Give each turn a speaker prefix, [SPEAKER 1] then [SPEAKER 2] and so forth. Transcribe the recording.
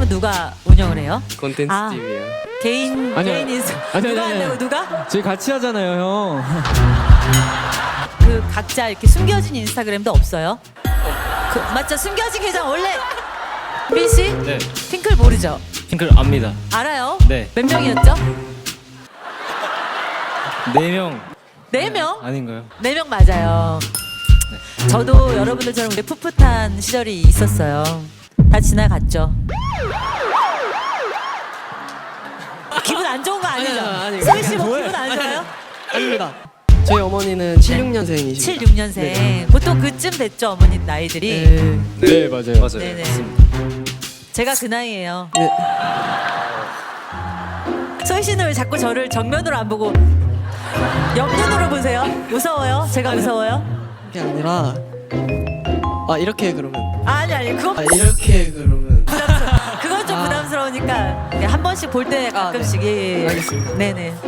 [SPEAKER 1] 인스타그램은 누가 운영을 해요?
[SPEAKER 2] 콘텐츠
[SPEAKER 1] 아.
[SPEAKER 2] 팀이요.
[SPEAKER 1] 개인 인스타 누가 한다고 누가?
[SPEAKER 3] 저희 같이 하잖아요, 형.
[SPEAKER 1] 그 각자 이렇게 숨겨진 인스타그램도 없어요? 그, 맞죠? 숨겨진 계정 원래 빈 씨?
[SPEAKER 4] 네.
[SPEAKER 1] 핑클 모르죠?
[SPEAKER 4] 핑클 압니다.
[SPEAKER 1] 알아요?
[SPEAKER 4] 네.
[SPEAKER 1] 몇 명이었죠?
[SPEAKER 4] 4명
[SPEAKER 1] 4명?
[SPEAKER 4] 아닌가요?
[SPEAKER 1] 4명 맞아요. 저도 여러분들처럼 우리 풋풋한 시절이 있었어요. 다 지나갔죠. 기분 안 좋은 거 아니죠?
[SPEAKER 2] 아니,
[SPEAKER 1] 소희 씨뭐 기분 안 좋아요?
[SPEAKER 2] 아닙니다. 저희 어머니는 76년생이십니다.
[SPEAKER 1] 76년생. 보통 그쯤 됐죠, 어머니 나이들이.
[SPEAKER 3] 네, 맞아요.
[SPEAKER 4] 맞아요.
[SPEAKER 1] 네네. 제가 그 나이예요.
[SPEAKER 2] 네.
[SPEAKER 1] 소희 씨는 왜 자꾸 저를 정면으로 안 보고 옆눈으로 보세요? 무서워요? 제가 무서워요?
[SPEAKER 2] 그게 아니라 이렇게 그러면
[SPEAKER 1] 아니 그건
[SPEAKER 2] 이렇게 그러면
[SPEAKER 1] 그건 좀 부담스러우니까 한 번씩 볼 때 가끔씩 예.
[SPEAKER 2] 알겠습니다.
[SPEAKER 1] 네네.